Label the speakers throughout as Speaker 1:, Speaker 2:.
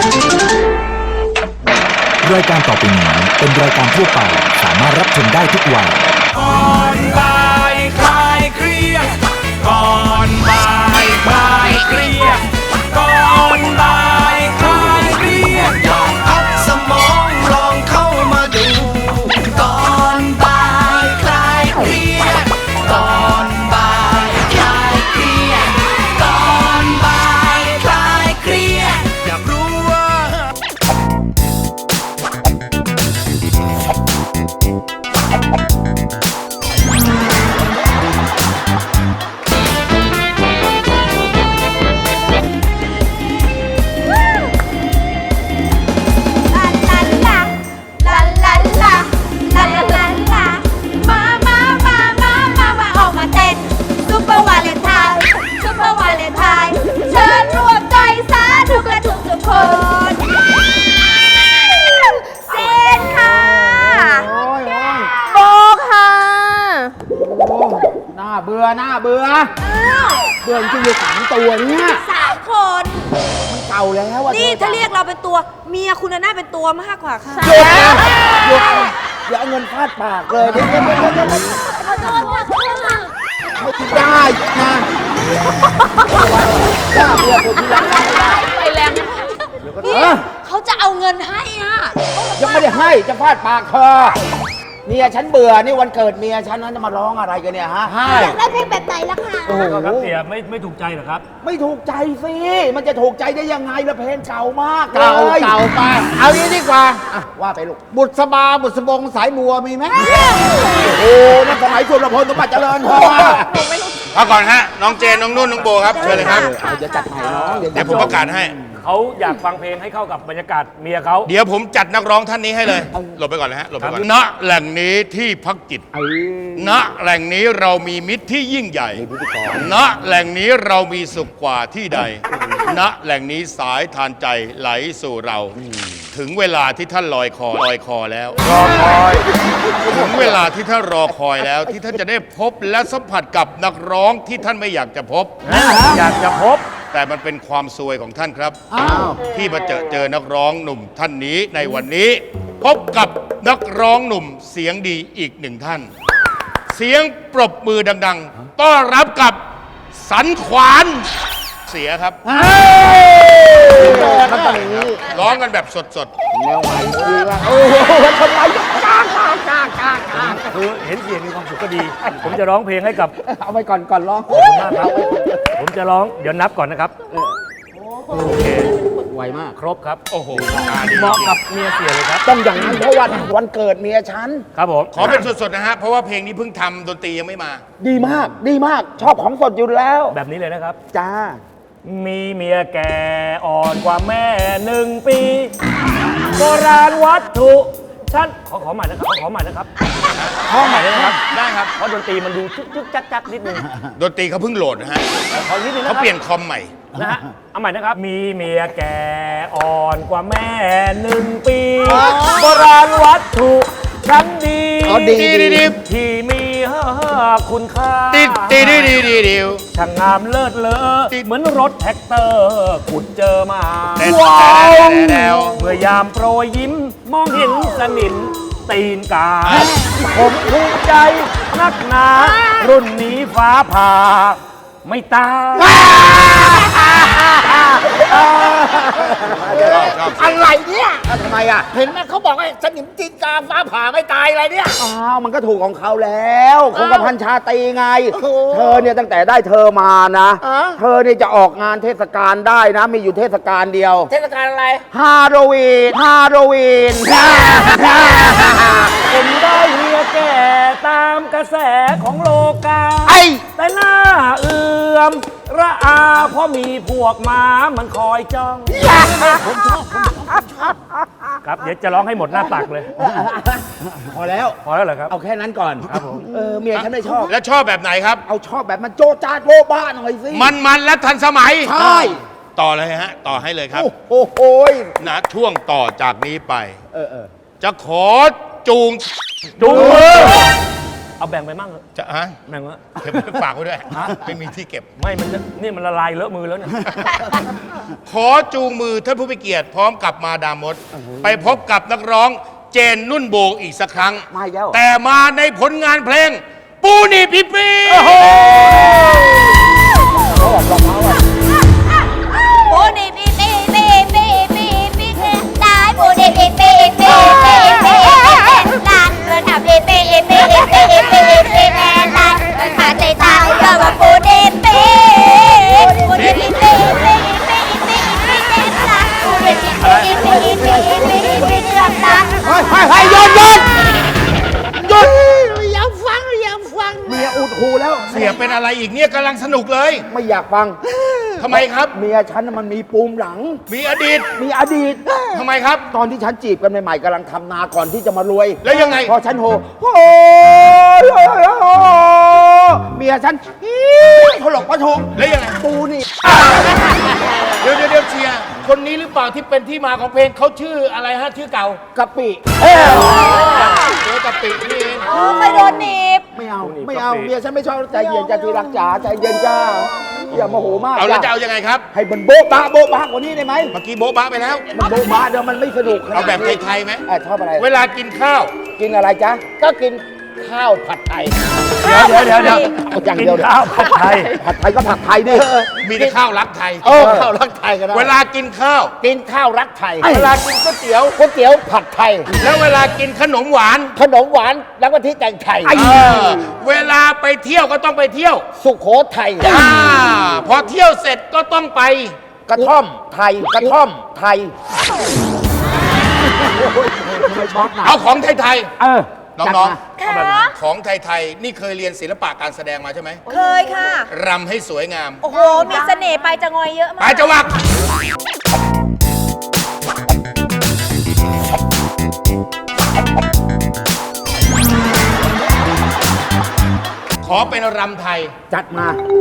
Speaker 1: รายการต่อไปนี้เป็นรายการทั่วไปสามารถรับชมได้ทุกวัย
Speaker 2: ก่อนบ่ายคลายเครียดก่อนบ่ายคลายเครียดก่อนบ่ายคลายเครียดลองพักสมองลองเข้ามาดูก่อนบ่ายคลายเครียดก่อนบ่ายคลายเครียดก่อนบ่ายคลายเครียดอยากรู้ว่า
Speaker 3: เบื่อเบื่อจริงๆอยู่3 ตัวเนี่ย
Speaker 4: 3 คน
Speaker 3: มันเก่าแล้วอ่ะ
Speaker 4: นี่ถ้าเรียกเราเป็นตัวเมียคุณน่าเป็นตัวมากกว่าค่ะ
Speaker 3: หยุดอย่าเอาเงินฟาดปากเลยไม่ได้นะย่าเบื่อคนที่รัก
Speaker 4: ไปแรงนี่เขาจะเอาเงินให้อ่ะ
Speaker 3: ยังไม่ได้ให้จะฟาดปากเธอเมียฉันเบื่อนี่วันเกิดเมียฉันนั้นจะมาร้องอะไรกันเนี่ยฮะ
Speaker 4: อยากได้เพลงแบบไหนล่ะคะ
Speaker 3: โอ้โห
Speaker 5: ครับเสียไม่ถูกใจเหรอครับ
Speaker 3: ไม่ถูกใจสิมันจะถูกใจได้ยังไงละเพลงเก่ามากเก่าไปเอานี้ดีกว่าว่าไปลูกบุษบาบุษบงสายบัวมีไหมโอ้นั่นสมัยสุรพลสมบัติเจริญพอ
Speaker 2: พักก่อนฮะน้องเจนน้องนุ่นน้องโบครับเชิญเลยครับ
Speaker 3: จะจัดให้น้อง
Speaker 2: เดี๋ยวผมประกาศให้
Speaker 5: เขาอยากฟังเพลงให้เข้ากับบรรยากาศเมียเขา
Speaker 2: เดี๋ยวผมจัดนักร้องท่านนี้ให้เลยหลบไปก่อนเลยฮะหลบไปก่อนณแหล่งนี้ที่พักจิตณแหล่งนี้เรามีมิตรที่ยิ่งใหญ่ณแหล่งนี้เรามีสุขกว่าที่ใดณแหล่งนี้สายทานใจไหลสู่เราถึงเวลาที่ท่านลอยคอแล้ว
Speaker 5: รอคอย
Speaker 2: ถึงเวลาที่ท่านรอคอยแล้วที่ท่านจะได้พบและสัมผัสกับนักร้องที่ท่านไม่อยากจะพบ
Speaker 5: อยากจะพบ
Speaker 2: แต่มันเป็นความซวยของท่านครับที่มาเจอนักร้องหนุ่มท่านนี้ในวันนี้พบกับนักร้องหนุ่มเสียงดีอีก1 ท่านเสียงปรบมือดังๆต้อนรับกับสันขวานเสียครับร้องกันแบบสด
Speaker 3: ๆแนวใหม่ดีว่ะโอ้โหทำไมกล้า
Speaker 5: คือเห็นเสียงมีความสุขก็ดีผมจะร้องเพลงให้กับ
Speaker 3: เอาไปก่อนร้อง
Speaker 5: ผมจะร้องเดี๋ยวนับก่อนนะครับโอเค
Speaker 3: ไวมาก
Speaker 5: ครบครับ
Speaker 2: โอ้โห
Speaker 5: เหมาะกับเมียเสียเลยครับ
Speaker 3: ต้องอย่างนั้นเพราะวันเกิดเมียฉัน
Speaker 5: ครับผม
Speaker 2: ขอเป็นสดๆนะฮะเพราะว่าเพลงนี้เพิ่งทำดนตรียังไม่มา
Speaker 3: ดีมากชอบของสดอยู่แล้ว
Speaker 5: แบบนี้เลยนะครับ
Speaker 3: จ้า
Speaker 5: มีเมียแก่อ่อนกว่าแม่1 ปีโบราณวัตถุฉันขอใหม่นะครับขอใหม่นะครับ
Speaker 2: ได้ครับ
Speaker 5: เพราะดนตรีมันดูจึ๊กจักนิดนึง
Speaker 2: ดนตรีเขาเพิ่งโหลดนะฮะเขาเปลี่ยนคอมใหม่
Speaker 5: นะฮะเอาใหม่นะครับมีเมียแก่อ่อนกว่าแม่1 ปีโบราณวัตถุชั้นดีที่มีคุณค่าช่างงามเลิศเลอเหมือนรถแท็กเตอร์ขุดเจอมาว้าวเมื่อยามโปรยยิ้มมองเห็นสนิมตีนกาผมภูมิใจนักหนารุ่นนี้ฟ้าผ่าไม่ตาย
Speaker 3: อะไรเนี่ยทำไมอ่ะ
Speaker 6: เห็นไหมเขาบอกไอ้สนิมตีนกาฟ้าผ่าไม่ตายอะไรเนี่ย
Speaker 3: มันก็ถูกของเขาแล้วคงกระพันชาตรีไงเธอเนี่ยตั้งแต่ได้เธอมานะเธอเนี่ยจะออกงานเทศกาลได้นะมีอยู่เทศกาลเดียว
Speaker 6: เทศกาลอะไร
Speaker 3: ฮาโลวีน
Speaker 5: ผมได้เมียแก่ตามกระแสของโลกาแต่หน้าเอื่อมระอาเพราะมีพวกม้ามันคอยจ้องผมชอบครับเดี๋ยวจะร้องให้หมดหน้าตักเลย
Speaker 3: พอแล้ว
Speaker 5: เหรอครับ
Speaker 3: เอาแค่นั้นก่อนครับผมเมียฉันไม่ชอบ
Speaker 2: แล้วชอบแบบไหนครับ
Speaker 3: เอาชอบแบบมันโจ๊ะจ๊าดโบ๊ะบ้าหน่อยสิ
Speaker 2: มันและทันสมัย
Speaker 3: ใช่
Speaker 2: ต่อเลยฮะต่อให้เลยครับ
Speaker 3: โอ้โห
Speaker 2: นะช่วงต่อจากนี้ไปจะขอจูง
Speaker 5: มือเอาแบ่งไปมั่งเถอะ
Speaker 7: จะฮะ
Speaker 5: แบ่งวะ
Speaker 7: เก็บไว้ฝากไว้ด้วยไม่มีที่เก็บ
Speaker 5: ไม่มันจะนี่มันละลายเลอะมือแล้วเนี่ย
Speaker 7: ขอจูงมือท่านผู้มีเกียรติพร้อมกับมาดามมด ไปพบกับนักร้องเจนนุ่นโบอีกสักครั้ง
Speaker 3: มาอีกแล้ว
Speaker 7: แต่มาในผลงานเพลง ปูนี่พี่ปี
Speaker 4: โบนี่ปีปีปีปีปีปีตายโบนี่ปีปีปีปีปีลานเดินทำปีปีปีปีปีปีแม่ลานเดินขาใจตายก็ว่าโบนี่ปีโบนี่ปีปีปีปีปีปีลานโบนี่ปีปีปีปีปีปีลาน
Speaker 3: ให้หยุด
Speaker 6: อย่าฟังอย่าฟัง
Speaker 3: เมียอุดหูแล้ว
Speaker 7: เสียเป็นอะไรอีกเนี่ยกำลังสนุกเลย
Speaker 3: ไม่อยากฟัง
Speaker 7: ทำไมครับ
Speaker 3: เมียฉันน่ะมันมีปูมหลัง
Speaker 7: มีอดีต
Speaker 3: มีอดีต
Speaker 7: ทำไมครับ
Speaker 3: ตอนที่ฉันจีบกันใหม่ๆกำลังทำนาก่อนที่จะมารวย
Speaker 7: แล้วยังไง
Speaker 3: พอฉันโหเมียฉันถลกประทง
Speaker 7: แล้วยังไง
Speaker 3: ปูนี่
Speaker 7: เดี๋ยวเชียร์คนนี้หรือเปล่าที่เป็นที่มาของเพลงเขาชื่ออะไรฮะชื่อเก่าก
Speaker 3: ะปิ
Speaker 7: เจอกะปินี่เอง
Speaker 4: โอ้ไม่โดนหนีบ
Speaker 3: ไม่เอาไม่เอาเมียฉันไม่ชอบใจเย็นจ้าที่รักจ๋าใจเย็นจ้าอย่าโมโหมาก
Speaker 7: เอาแล้วจะ
Speaker 3: จ้า
Speaker 7: เอายังไงครับ
Speaker 3: ให้มันโบ๊ะบะโบ๊ะบะกว่านี้ได้ไหม
Speaker 7: เมื่อกี้โบ๊ะบะไปแล้ว
Speaker 3: มันโบ๊ะบะเดี๋ยวมันไม่สนุก
Speaker 7: เอาแบบไทยๆไหม
Speaker 3: ชอบอะไร
Speaker 7: เวลากินข้าว
Speaker 3: กินอะไรจ๊ะก็กินข้าวผัดไทย
Speaker 5: เดี๋ยว
Speaker 3: เอาอย่างเดียว
Speaker 5: กินข้าวผัดไทย
Speaker 3: ผัดไทยก็ผัดไทยดิ
Speaker 7: มีแต่ข้าวรักไทย
Speaker 3: ข้าวรักไทยก็ได้
Speaker 7: เวลากินข้าว
Speaker 3: กินข้าวรักไทย
Speaker 7: เวลากินก๋วยเตี๋ยว
Speaker 3: ก๋วยเตี๋ยวผัดไทย
Speaker 7: แล้วเวลากินขนมหวาน
Speaker 3: ขนมหวานแล้วก็ที่แต่งไทย
Speaker 7: เออเวลาไปเที่ยวก็ต้องไปเที่ยว
Speaker 3: สุโขทัย
Speaker 7: พอเที่ยวเสร็จก็ต้องไป
Speaker 3: กระท่อมไทยกระท่อมไทยไม่ช็อตนะ
Speaker 7: เอาของไทย
Speaker 3: จัด
Speaker 7: น้อง
Speaker 3: มา
Speaker 4: ค่ะ
Speaker 7: ๆ ของไทยๆ นี่เคยเรียนศิลปะการแสดงมาใช่ไหม
Speaker 4: เคยค่ะ
Speaker 7: รำให้สวยงาม
Speaker 4: โอ้โห มีเสน่ห์ไปจะงอยเยอะ
Speaker 7: ไป
Speaker 4: มาก
Speaker 7: จะวัก ขอเป็นรำไทย
Speaker 3: จัดมา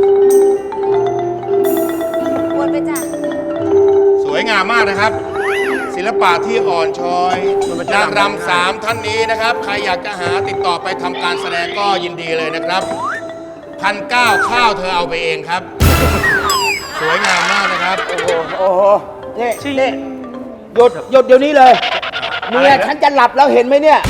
Speaker 4: วนไปจ้ะ
Speaker 7: สวยงามมากนะครับ ศิลปะที่อ่อนช้อยนางรำ3ท่านนี้นะครับ ใครอยากจะหาติดต่อไปทำการแสดงก็ยินดีเลยนะครับ1,900ข้าวเธอเอาไปเองครับ สวยงามมากนะครับ
Speaker 3: โอ้โหนี่หยุดเดี๋ยวนี้เลยเมียฉันจะหลับแล้วเห็นไหมเนี่ย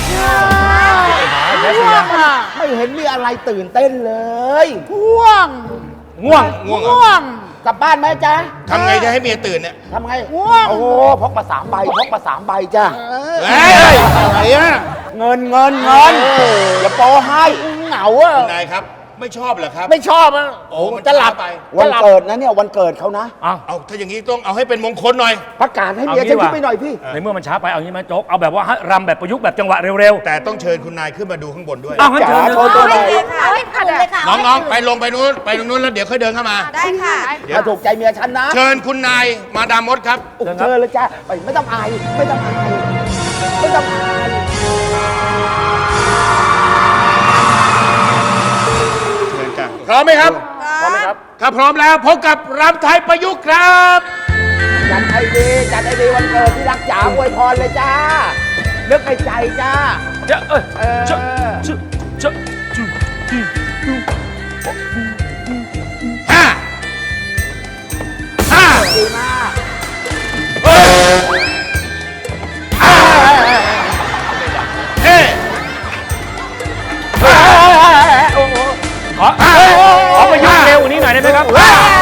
Speaker 3: ไม่เห็นมีอะไรตื่นเต้นเลยง่วง
Speaker 7: ง่วงเหรอก
Speaker 3: ลับบ้านไหมจ๊ะ
Speaker 7: ทำไงจะให้เมียตื่นเนี่ย
Speaker 3: ทำไงง่วงโอ้โหพกมา3 ใบพกมา3 ใบจ้ะ
Speaker 7: เฮ้ยอะไรอะ
Speaker 3: เงินอย่าโปให้เหงาอ่ะ
Speaker 7: นายครับ ไม่ชอบเหรอครับ
Speaker 3: ไม่ชอบอ่ะ
Speaker 7: โอ้มันจะหลับไป
Speaker 3: วันเกิดนะเนี่ยวันเกิดเขานะ
Speaker 7: เอาถ้าอย่างนี้ต้องเอาให้เป็นมงคลหน่อย
Speaker 3: ประกาศให้เมียฉันขึ้นไปหน่อยพี่
Speaker 5: ในเมื่อมันช้าไปเอางี้ไหมโจ๊กเอาแบบว่ารำแบบประยุกต์แบบจังหวะเร็ว
Speaker 7: แต่ต้องเชิญคุณนายขึ้นมาดูข้างบนด้วย
Speaker 5: ๆเอางั้นเชิญ
Speaker 3: โทษตัวไหน
Speaker 4: เอาให้ถูกเลยค่ะ
Speaker 7: น้องๆ ไปลงไปนู้นไปตรงนู้นแล้วเดี๋ยวค่อยเดินเข้ามา
Speaker 4: ได้ค่ะ
Speaker 3: ถ้าถูกใจเมียฉันนะ
Speaker 7: เชิญคุณนายมาดามมดครับ
Speaker 3: เชิญเลยจ้ะไปไม่ต้องอายไม่ต้องอายไม่ต้องอาย
Speaker 7: เชิญจ้ะพร้อมไหมครับ
Speaker 4: พร้อมไหมครับ
Speaker 7: ถ้าพร้อมแล้วพบกับรำไทยประยุกต์ครับ
Speaker 3: จัดให้ดีวันเกิดที่รักจ๋าอวยพรเลยจ้านึกในใจจ้า
Speaker 5: จะจะจะ
Speaker 7: ห้าห้า
Speaker 3: ดีมาก
Speaker 7: เฮ้
Speaker 5: ขอประยุกต์เร็วกว่านี้หน่อยได้ไหมครับ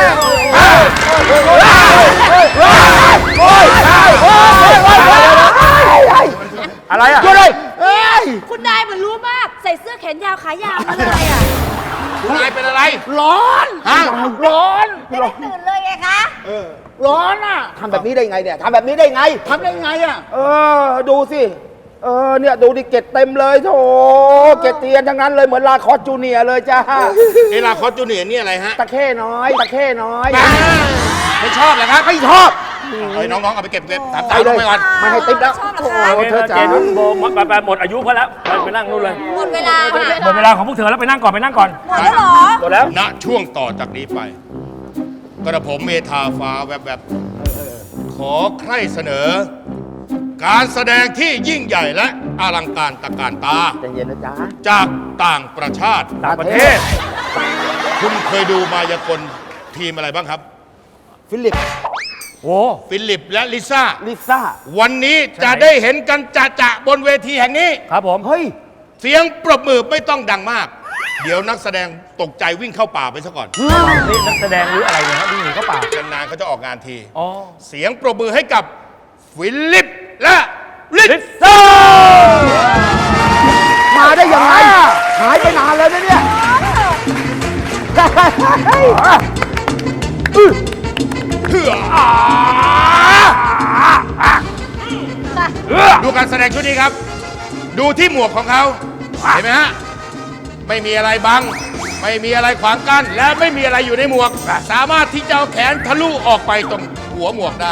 Speaker 5: อะไรอ่ะ
Speaker 4: คุณนายเหมือนรู้มาก ใส่เสื้อแขนยาวขายาวมาเลยอ่ะ
Speaker 7: คุณนายเป็นอะไร
Speaker 3: ร้อน
Speaker 7: ฮะ
Speaker 3: ร้อน
Speaker 4: ไม่ได้ตื่นเลยไงคะ
Speaker 3: ร้อนอ่ะทำแบบนี้ได้ไงเนี่ยทำแบบนี้ได้ไงทำได้ไงอ่ะดูสิเนี่ยดูดิเกตเต็มเลยโถเกตเตียนทั้งนั้นเลยเหมือนลาคอสจูเนียร์เลยจ้า
Speaker 7: เอลาคอสจูเนียร์นี่อะไรฮะ
Speaker 3: ตะเข้น้อย
Speaker 7: ไม่ชอบเหรอครับ
Speaker 3: ไม่ชอบ
Speaker 7: เอ้ยน้องๆ เอาไปเก็บถาม
Speaker 3: ไป
Speaker 7: สาว
Speaker 3: เล
Speaker 7: น้อย งไปก่อน
Speaker 3: ไม่ให้ติ๊บแล้ว
Speaker 4: ชอบเหรอ
Speaker 3: โอ้
Speaker 4: คะ
Speaker 3: โหเธอจ๋า
Speaker 5: เจนุ่นโบไปหมดอายุเขาแล้วไปนั่งนู่นเลย
Speaker 4: หมดเวลาค่ะ
Speaker 5: หมดเวลาของพวกเธอแล้วไปนั่งก่อน
Speaker 4: หมดแล้วเหรอ
Speaker 5: หมดแล้ว
Speaker 7: ณช่วงต่อจากนี้ไป กระผมเมธาฟ้าแวบๆขอใคร่เสนอการแสดงที่ยิ่งใหญ่และอลังการตระการตา
Speaker 3: ใจเย็นนะจ๊ะ
Speaker 7: จากต่างประชาติ
Speaker 5: ต่างประเทศ
Speaker 7: คุณเคยดูมายากลทีมอะไรบ้างครับ
Speaker 3: ฟิลิป
Speaker 5: โอ้
Speaker 7: ฟิลิปและลิซ่า
Speaker 3: ลิซ่า
Speaker 7: วันนี้จะได้เห็นกันจะบนเวทีแห่งนี้
Speaker 5: ครับผม
Speaker 3: เฮ้ย
Speaker 7: เสียงปรบมือไม่ต้องดังมาก เดี๋ยวนักแสดงตกใจวิ่งเข้าป่าไปซะก่อน
Speaker 5: นี่นักแสดงหรืออะไรเนี่ยฮะวิ่งหนีเข้าป่าน
Speaker 7: านๆเขาจะออกงานที
Speaker 5: อ๋อ
Speaker 7: เสียงปรบมือให้กับฟิลิปและลิ
Speaker 5: ลิ
Speaker 7: ซ่า
Speaker 5: ซ่า
Speaker 3: มาได้ยังไง หายไปนานแล้วนะเนี่ย
Speaker 7: ดูการแสดงชุดนี้ครับ ดูที่หมวกของเขาเห็นไหมฮะ ไม่มีอะไรบัง ไม่มีอะไรขวางกั้น และไม่มีอะไรอยู่ในหมวก สามารถที่จะเอาแขนทะลุออกไปตรงหัวหมวกได้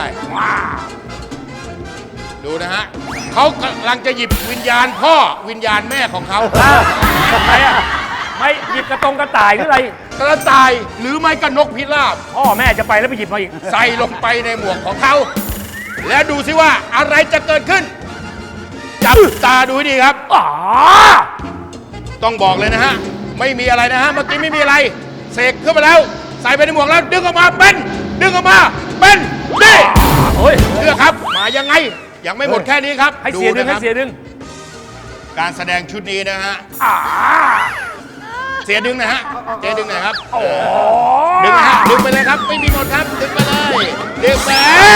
Speaker 7: ดูนะฮะเขากำลังจะหยิบวิญญาณพ่อวิญญาณแม่ของเขา
Speaker 5: ทำไมอ่ะไม่หยิบกระต่ายหรืออะไร
Speaker 7: กระต่ายหรือไม่ก็นกพิราบ
Speaker 5: พ่อแม่จะไปแล้วไปหยิบมาอีก
Speaker 7: ใส่ลงไปในหมวกของเขา และดูสิว่าอะไรจะเกิดขึ้น จับตาดูให้ดีครับ
Speaker 5: อ๋อ
Speaker 7: ต้องบอกเลยนะฮะ ไม่มีอะไรนะฮะ เมื่อกี้ไม่มีอะไร เสกขึ้นมาแล้ว ใส่ไปในหมวกแล้ว ดึงออกมาเป็น ดึงออกมาเป็นนี่
Speaker 5: โอ้ย
Speaker 7: เลือกครับ มายังไง ยังไม่หมดแค่นี้ครับ
Speaker 5: ให้เสียดึง
Speaker 7: นะค
Speaker 5: ให้
Speaker 7: รับ
Speaker 5: เสียดึง
Speaker 7: การแสดงชุดนี้นะฮะเสียดึงนะฮะเสียดึงหน่อยครับดึงนะฮะดึงไปเลยครับ ไม่มีหมดครับ ดึงไปเลยดึงไป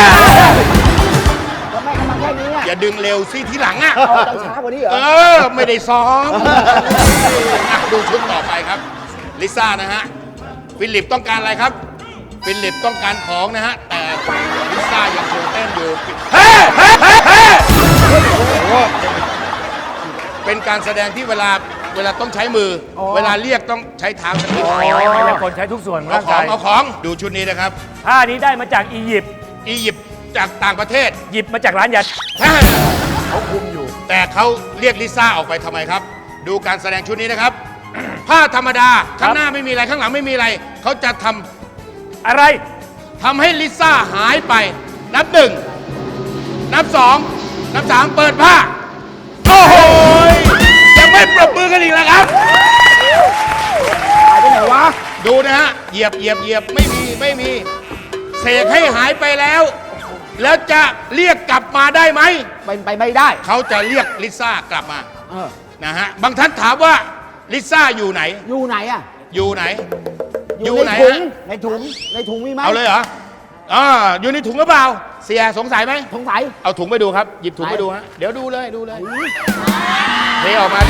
Speaker 3: ทำไมกำลังแค่นี้อ่ะ
Speaker 7: อย่าดึงเร็วสิทีหลังอ่ะ
Speaker 3: เอาต้องช้ากว่านี้เหรอ
Speaker 7: ไม่ได้ซ้อมอ่ะดูชุดต่อไปครับ ลิซ่านะฮะ ฟิลิปต้องการอะไรครับ ฟิลิปต้องการของนะฮะ แต่ลิซ่ายังคงเต้นอยู่เฮ้เฮ้เฮ้เฮ้เป็นการแสดงที่เวลาต้องใช้มือ เวลาเรียกต้องใช้เท้าสักนิด
Speaker 5: ไม่ใช่คนใช้ทุกส่วนของ
Speaker 7: เอา
Speaker 5: ร่าง
Speaker 7: ขอก
Speaker 5: าง ย
Speaker 7: เอาของดูชุดนี้นะครับ
Speaker 5: ท่านี้ได้มาจากอียิปต์
Speaker 7: อียิปต์จากต่างประเทศ
Speaker 5: หยิบมาจากร้านยา
Speaker 7: เขาคุมอยู่ แต่เขาเรียกลิซ่าออกไปทำไมครับ ดูการแสดงชุดนี้นะครับ ผ้าธรรมดาข้างหน้าไม่มีอะไรข้างหลังไม่มีอะไร เขาจะทำ
Speaker 5: อะไร
Speaker 7: ทำให้ลิซ่าหายไป นับหนึ่งนับสองนับสามเปิดผ้า โอ้โหยังไม่ปรบมือกันอีกแล้วครับ
Speaker 3: หายไปไหนวะ
Speaker 7: ดูนะฮะเหยียบไม่มีเสกให้หายไปแล้ว แล้วจะเรียกกลับมาได้ไหม
Speaker 3: เป็นไปไม่ได้
Speaker 7: เขาจะเรียกลิซ่ากลับมา
Speaker 3: เออ
Speaker 7: นะฮะบางท่านถามว่าลิซ่าอยู่ไหน
Speaker 3: อยู่ไหนอ่ะ
Speaker 7: อยู่ไหน
Speaker 3: อยู่
Speaker 7: ไหน
Speaker 3: ในถุง
Speaker 7: ฮะ
Speaker 3: ในถุง ในถุงมีไหม
Speaker 7: เอาเลยเหรออยู่ในถุงหรือเปล่า เสียสงสัยไหม
Speaker 3: สงสัย
Speaker 7: เอาถุงไปดูครับ หยิบถุงไปดูฮะ เดี๋ยวดูเลยเทออกมา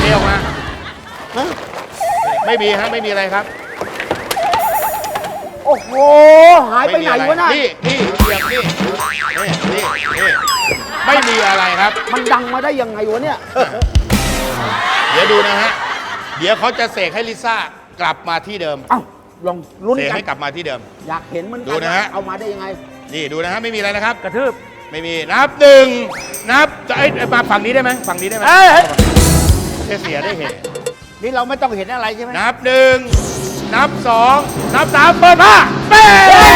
Speaker 7: ไม่มีฮะ ไม่มีอะไรครับ
Speaker 3: โอ้โห หายไปไหนวะน่ะ
Speaker 7: นี่เหยียบนี่ไม่มีอะไรครับ
Speaker 3: มันดังมาได้ยังไงวะเนี่ย
Speaker 7: เดี๋ยวดูนะฮะ เดี๋ยวเขาจะเสกให้ลิซ่ากลับมาที่เดิม
Speaker 3: เอ้า ลองลุ้น
Speaker 7: เสก
Speaker 3: กัน
Speaker 7: ให้กลับมาที่เดิม
Speaker 3: อยากเห็นเหมันกั
Speaker 7: ดูนะฮะ
Speaker 3: เอามาได้ยังไง
Speaker 7: นี่ดูนะฮะ ไม่มีอะไรนะครับ
Speaker 5: กระทืบ
Speaker 7: ไม่มี นับหนึ่งนับจะมาฝั่งนี้ได้ไหมฝั่งนี้ได้ไหม
Speaker 5: เอ้ย
Speaker 7: เสียได้เหตุ
Speaker 3: นี่เราไม่ต้องเห็นอะไรใช่ไหม
Speaker 7: นับหนึ่งนับสองนับสามเปิดผ้าเป้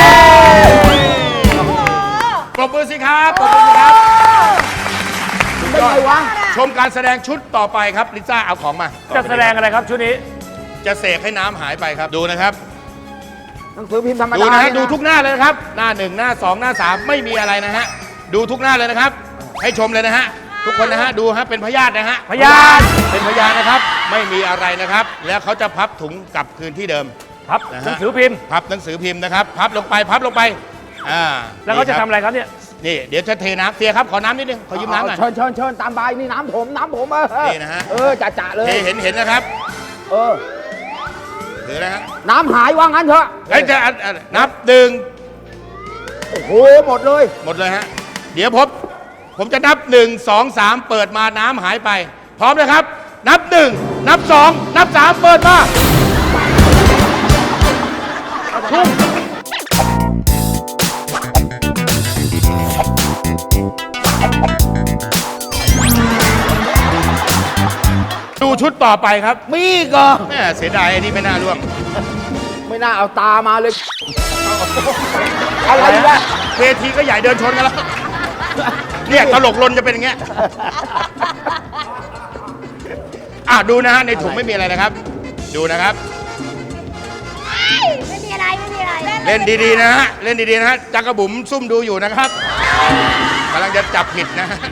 Speaker 7: ปรบมือสิครับปรบมือสิครับ
Speaker 3: เป็นไงวะ
Speaker 7: ชมการแสดงชุดต่อไปครับลิซ่าเอาของมา
Speaker 5: จะแสดงอะไรครับชุดนี้
Speaker 7: จะเสกให้น้ำหายไปครับดูนะครับ
Speaker 3: หนังสือพิมพ์ธรรมดา
Speaker 7: ดูนะฮะ
Speaker 3: เย
Speaker 7: ดูทุกหน้าเลยนะครับ หน้าหนึ่งหน้าสองหน้าสามไม่มีอะไรนะฮะดูทุกหน้าเลยนะครับ ให้ชมเลยนะฮะทุกคนนะฮะดูฮะเป็นพยาธินะฮะ
Speaker 5: พยาน
Speaker 7: เป็นพยานนะครับ ไม่มีอะไรนะครับ แล้วเขาจะพับถุงกลับคืนที่เดิม
Speaker 5: ครับ
Speaker 7: นะฮะ
Speaker 5: หนังสือพิมพ์
Speaker 7: พับหนังสือพิมพ์นะครับ พับลงไป
Speaker 5: แล้วเขาจะ
Speaker 7: นี่ค
Speaker 5: ทำ
Speaker 7: บ
Speaker 5: อะไรครับเนี่ย
Speaker 7: นี่เดี๋ยวจะเทน้ำเสียครับขอน้ำนิดนึงขอยืมน้ำหน่อย
Speaker 3: เชิญตามใบนี่น้ำผม
Speaker 7: นี่นะฮะ
Speaker 3: จ่าเลย
Speaker 7: เทเห็นนะครับ
Speaker 3: เออ
Speaker 7: ถือนะฮะ
Speaker 3: น้ำหายว่างั้นเถอะ
Speaker 7: เฮ้ยจะนับหนึ่ง
Speaker 3: โอ้โห หมดเลย
Speaker 7: หมดเลยฮะเดี๋ยวผมจะนับ1 2 3เปิดมาน้ำหายไป พร้อมนะครับ นับ1นับ2นับ3เปิดมาทุ่มดูชุดต่อไปครับ
Speaker 3: มีอีก็
Speaker 7: แม่เสียดายไอ้นี่ไม่น่าร่วม
Speaker 3: ไม่น่าเอาตามาเลย อะไรวะ
Speaker 7: เวทีก็ใหญ่เดินชนกันแล้วเนี่ยตลกลนจะเป็นอย่างเงี้ยดูนะฮะในถุงไม่มีอะไรนะครับ ดูนะครับ
Speaker 4: ไม่มีอะไรไม่มีอะไร
Speaker 7: เล่นดีๆนะฮะเล่นดีๆนะฮะจักรบุ๋มซุ่มดูอยู่นะครับกำลังจะจับผิดนะฮะ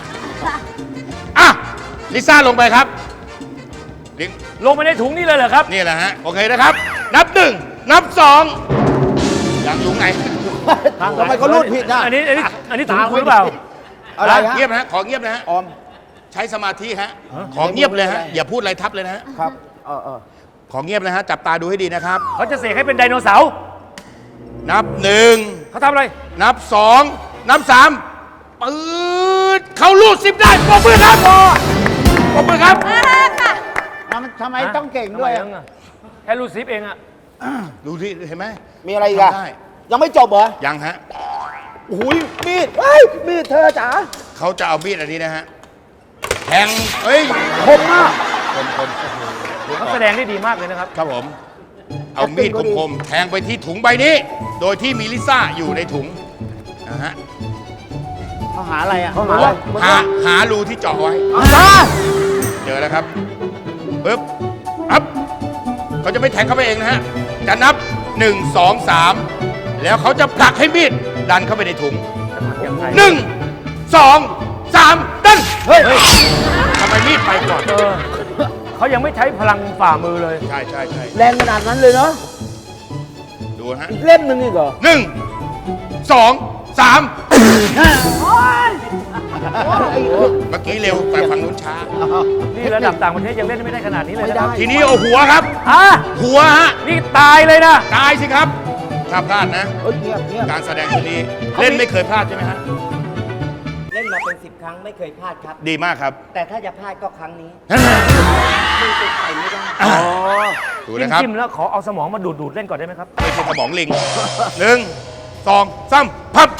Speaker 7: ลิซ่าลงไปครับลิง
Speaker 5: ลงไปในถุงนี่เลยเหรอครับ
Speaker 7: นี่แหละฮะโอเคนะครับ นับ 1 นับ 2ยังถุงไหน
Speaker 3: ทำไมเขารูดผิดนะ
Speaker 5: อันนี้ถุงคุณหรือเปล่า
Speaker 3: อะไรฮะ
Speaker 7: เงียบนะฮะขอเงียบนะฮะ
Speaker 3: ออม
Speaker 7: ใช้สมาธิฮะขอเงียบเลยฮะอย่าพูดอะไรทับเลยนะฮะ
Speaker 3: ครับ
Speaker 7: ขอเงียบนะฮะจับตาดูให้ดีนะครับ
Speaker 5: เขาจะเสกให้เป็นไดโนเสาร์
Speaker 7: นับ
Speaker 5: เขาทำอะไร
Speaker 7: 1 นับ 2 นับ 3ปืดเขาลูด10ได้ปรบมือครับปรบมือครับ
Speaker 4: ค่ะ
Speaker 3: ทำไมต้องเก่งด้วย
Speaker 5: ทำไมอะแค่รูดซิปเองอะ
Speaker 7: ดูที่เห็นไหม
Speaker 3: มีอะไรอีกอะ
Speaker 7: ทำได้
Speaker 3: ยังไม่จบเหรอ
Speaker 7: ยังฮะ
Speaker 3: โอ้ยมีดเฮ้ยมีดเธอจ๋า
Speaker 7: เขาจะเอามีดอันนี้นะฮะแทงเฮ้ย
Speaker 3: คมมาก
Speaker 7: คม
Speaker 5: เขาแสดงได้ดีมากเลยนะครับ
Speaker 7: ครับผม เอามีดคมๆแทงไปที่ถุงใบนี้ โดยที่มีลิซ่าอยู่ในถุงนะฮะ
Speaker 3: เขาหาอะไรอ่ะ
Speaker 7: หารูที่เจาะไว้ เจอแล้วครับปึ๊บอัพเขาจะไม่แทงเข้าไปเองนะฮะ จะนับ 1 2 3 แล้วเขาจะผลักให้มีดดันเข้าไปในถุง
Speaker 5: ยังไง
Speaker 7: 1 2 3 ดัน เฮ้ยทำไมมีดไปก่อน
Speaker 5: เขายังไม่ใช้พลังฝ่ามือเลย
Speaker 7: ใช่
Speaker 3: แรงขนาดนั้นเลยเนาะ
Speaker 7: ดูฮะ
Speaker 3: อีกเล่มหนึ่งอีกเหรอ
Speaker 7: 1 2 3 เมื่อกี้เร็วแต่ฝั่งนู้นช้า
Speaker 5: นี่ระดับต่างประเทศยังเล่นไม่ได้ขนาดนี้เลยนะครับ
Speaker 7: ทีนี้เอาหัวครับ หัวฮะ
Speaker 5: นี่ตายเลยนะ
Speaker 7: ตายสิครับถ้าพลาดนะ
Speaker 3: เงียบ
Speaker 7: การแสดงชุดนี้เล่นไม่เคยพลาดใช่ไหมฮะ
Speaker 6: เล่นมาเป็น 10 ครั้งไม่เคยพลาดครับ
Speaker 7: ดีมากครับ
Speaker 6: แต่ถ้าจะพลาดก็ครั้งนี้
Speaker 7: ดู
Speaker 5: จิ้ม
Speaker 7: นะครับ
Speaker 5: จิ้มแล้วขอเอาสมองมาดูดเล่นก่อนได้ไหมครับ
Speaker 7: ไม่ใช่สมองลิง 1 2 3 พับ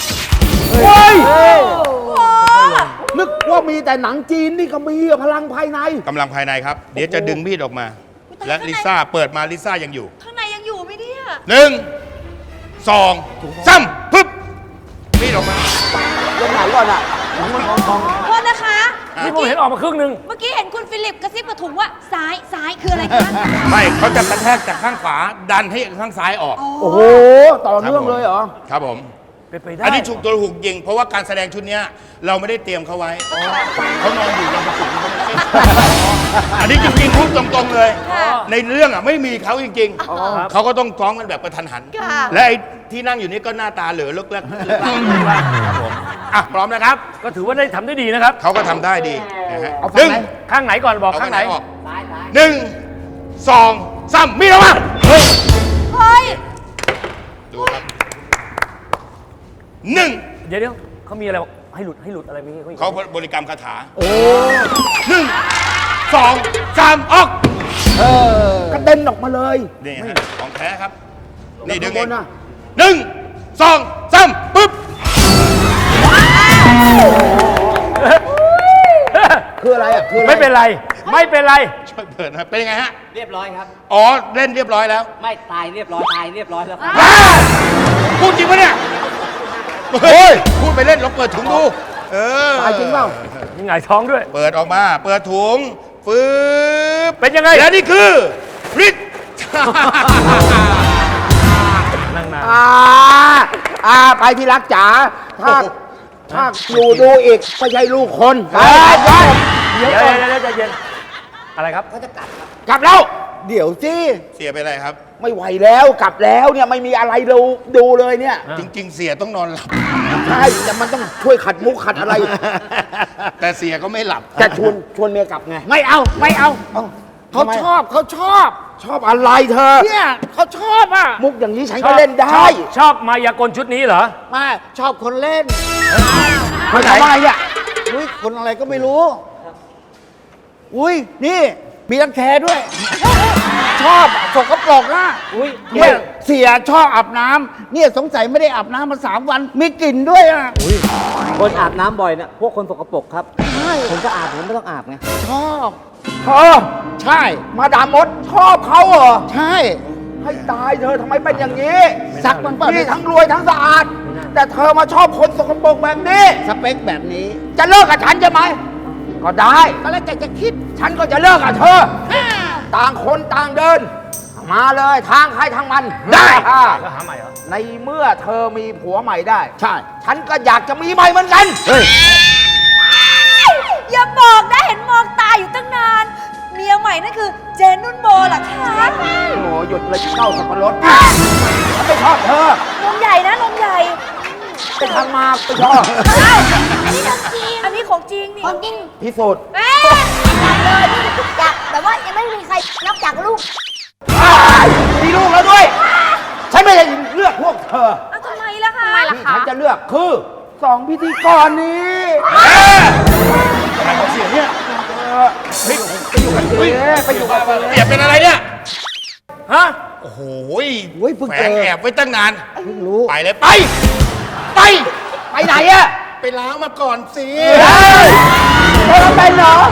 Speaker 3: นึกว่ามีแต่หนังจีนนี่ก็มีอะพลังภายใน
Speaker 7: กำลังภายในครับ เดี๋ยวจะดึงมีดออกมา และลิซ่าเปิดมาลิซ่ายังอยู่
Speaker 4: ข้างในยังอยู่ไหมเนี่ย
Speaker 7: 1 2 3ปึ๊บมีดออกมา
Speaker 3: เล่นไหนก่อนอ่ะ
Speaker 4: โทษนะคะ
Speaker 5: นี่ผมเห็นออกมาครึ่งหนึ่ง
Speaker 4: เมื่อกี้เห็นคุณฟิลิปกระซิบกับถุงว่าซ้ายคืออะไรคะ
Speaker 7: ไม่เขาจะกระแทกจากข้างขวาดันให้ข้างซ้ายออก
Speaker 3: โอ้โห ต่อเนื่องเลยเหรอ
Speaker 7: ครับผม
Speaker 5: เป็นไปได้
Speaker 7: อันนี้ถูกตัวถูกยิง เพราะว่าการแสดงชุดเนี้ยเราไม่ได้เตรียมเขาไว้เขานอนอยู่ยังประจุเขาไม่ได้อันนี้จริงๆพูดตรงๆเลย ในเรื่องอ่ะไม่มีเขาจริงๆเขาก็ต้องซ้อมกันแบบกระทันหัน และไอ้ที่นั่งอยู่นี่ก็หน้าตาเหลือเลิกครับผมพร้อมนะครับ
Speaker 5: ก็ถือว่าได้ทำได้ดีนะครับ
Speaker 7: เขาก็ทำได้ดีนะฮะ
Speaker 3: เอาฝั่งไหน
Speaker 5: ข้างไหนก่อนบอก
Speaker 7: เอา
Speaker 5: ข้างไหน
Speaker 7: ออก1 2 3มีดออกมา
Speaker 4: เฮ้ย
Speaker 7: ดูครับ1
Speaker 5: เดี๋ยวเขามีอะไรบอกให้หลุดอะไรมี
Speaker 7: เขาบริกรรมคาถา1 2 3ออก
Speaker 3: กระเด็นออกมาเลย
Speaker 7: นี่ฮะของแท้ครับ นี่ดึง
Speaker 3: ข้า
Speaker 7: เอง
Speaker 3: บน
Speaker 7: ง
Speaker 3: น่ะ
Speaker 7: 1 2 3ปึ๊บ
Speaker 3: คืออะไรอ่ะ คืออะไร
Speaker 5: ไม่เป็นไร ไม่เป็นไร
Speaker 7: ช่วยเปิดนะครับเป็นยังไงฮะ
Speaker 6: เรียบร้อยครับ
Speaker 7: อ๋อ เล่นเรียบร้อยแล้ว
Speaker 6: ไม่ตายเรียบร้อยตายเรียบร้อยแล้วครับ
Speaker 7: พูดจริงปะเนี่ยเฮ้ยพูดไปเล่นลองเปิดถุงดู
Speaker 3: ตายจริงเปล่า
Speaker 5: มีหงายท้องด้วย
Speaker 7: เปิดออกมา เปิดถุงฟืบ
Speaker 5: เป็นยังไง
Speaker 7: และนี่คือฤทธิ์
Speaker 5: นั่งนาน
Speaker 3: ไปที่รักจ๋า ถ้าอยู่ดูอีกไม่ใช่ลูกคนไป
Speaker 5: เดี๋ยวใจเย็นอะไรครับ
Speaker 3: กลับแล้ว เดี๋ยวสิ
Speaker 7: เสียไปอะไรครับ
Speaker 3: ไม่ไหวแล้วกลับแล้วเนี่ยไม่มีอะไรดูเลยเนี่ย
Speaker 7: จริง ๆ เสียต้องนอนหลับ
Speaker 3: ใช่แต่มันต้องช่วยขัดมุกขัดอะไร
Speaker 7: แต่เสียก็ไม่หลับ
Speaker 3: จะชวนเมียกลับไง
Speaker 6: ไม่เอาไม่เอา
Speaker 3: เขาชอบชอบอะไรเธอ
Speaker 6: เนี่ยเขาชอบอ่ะ
Speaker 3: มุกอย่างนี้ฉันก็เล่นได้
Speaker 5: ชอบมายากลชุดนี้เหรอ
Speaker 6: มาชอบคนเล่น
Speaker 3: คนไหนอะไรเนี่ย
Speaker 6: อุ้ยคนอะไรก็ไม่รู้ อุ้ยนี่มีรังแคด้วย ชอบสกปรกอ่ะอุ้ยเนี่ยเสียชอบอาบน้ำเนี่ยสงสัยไม่ได้อาบน้ำมา3 วัน มีกลิ่นด้วยอ่ะ
Speaker 8: คนอาบน้ำบ่อยเนี่ยพวกคนสกปรกครับ ผมก็อาบผมไม่ต้องอาบไง
Speaker 6: ชอบ
Speaker 3: ใช่ มาดามมดชอบเขาเหรอ
Speaker 6: ใช่
Speaker 3: ให้ตายเธอทำไมเป็นอย่างนี้
Speaker 6: ซักมันเปล่า
Speaker 3: นี่ทั้งรวยทั้งสะอาดแต่เธอมาชอบคนสกปรกแบบนี้
Speaker 6: สเปคแบบนี้
Speaker 3: จะเลิกกับฉันใช่ไหม ก็ได้ ก็แล้วแต่จะคิด ฉันก็จะเลิกกับเธอ ต่างคนต่างเดิน มาเลยทางใครทางมัน ได้
Speaker 5: แล้วหาใหม่เหรอ
Speaker 3: ในเมื่อเธอมีผัวใหม่ได้
Speaker 6: ใช่
Speaker 3: ฉันก็อยากจะมีใหม่เหมือนกัน
Speaker 6: เฮ้ย
Speaker 4: อย่าบอกนะเห็นมองตาอยู่ตั้งนาน เมียใหม่นั่นคือเจนนุ่นโบเหรอคะ
Speaker 3: โอ้หยุดเลยเข้าสับปะรดฉันไม่ชอบเธอน
Speaker 4: มใหญ่นะนมใหญ่
Speaker 3: ไปทางมาไม่ชอบ
Speaker 4: อ้าวนี่ของจริง อันนี้ของจริงนี่
Speaker 9: ของจริง
Speaker 3: พิสูจน์
Speaker 4: เอ๊ะ
Speaker 9: เลยอยากแต่ว่ายังไม่มีใครนอกจากลูก
Speaker 3: มีลูกแล้วด้วย ฉันไม่ได้เลือกพวกเธอ
Speaker 4: เอาทำไมล่ะคะ
Speaker 3: ที่ฉันจะเลือกคือสองพิธีกรนี้
Speaker 7: อะไรของเสียเนี่ย
Speaker 3: ไปอยู่กับเธอ
Speaker 7: เสียเป็นอะไรเนี่ย
Speaker 5: ฮะ
Speaker 7: โอ้โห
Speaker 6: โอ้ยเพิ่ง
Speaker 7: แฝ
Speaker 6: เจอ
Speaker 7: งแอบไว้ตั้งนาน
Speaker 6: เพิ่งรู้
Speaker 7: ไปเลยไป ไป
Speaker 3: ไปไหนอะ
Speaker 7: ไปล้างมาก่อนสิ
Speaker 3: เธอเป็นเหรอ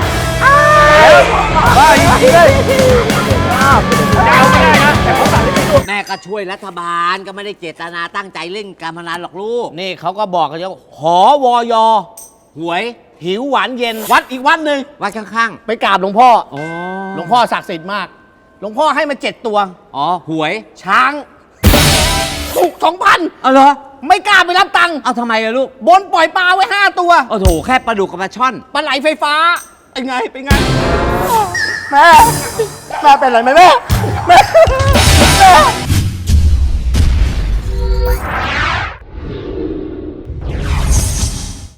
Speaker 8: แม่ก็ช่วยรัฐบาลก็ไม่ได้เจตนาตั้งใจเล่นการพนันหรอกลูก
Speaker 6: นี่เขาก็บอกกันว่าหอวอยหวย หิวหวานเย็น วัดอีกวัดหนึ่ง
Speaker 8: วัดข้าง
Speaker 6: ไปกราบหลวงพ่อ
Speaker 8: ๆ อ๋อ
Speaker 6: หลวงพ่อศักดิ์สิทธิ์มาก หลวงพ่อให้มา7 ตัว
Speaker 8: อ๋อ หวย
Speaker 6: ช้างถูก2,000
Speaker 8: เอาเหรอ
Speaker 6: ไม่กล้าไปรับตังค์
Speaker 8: เอาทำไมอะลูก
Speaker 6: บนปล่อยปลาไว้ 5 ตัว
Speaker 8: โอ้โห แค่ปลาดุกกับปลาช่อน
Speaker 6: ปลาไหลไฟฟ้า เป็นไง เป็นไง แม่ แม่เป็นไรไหมแม่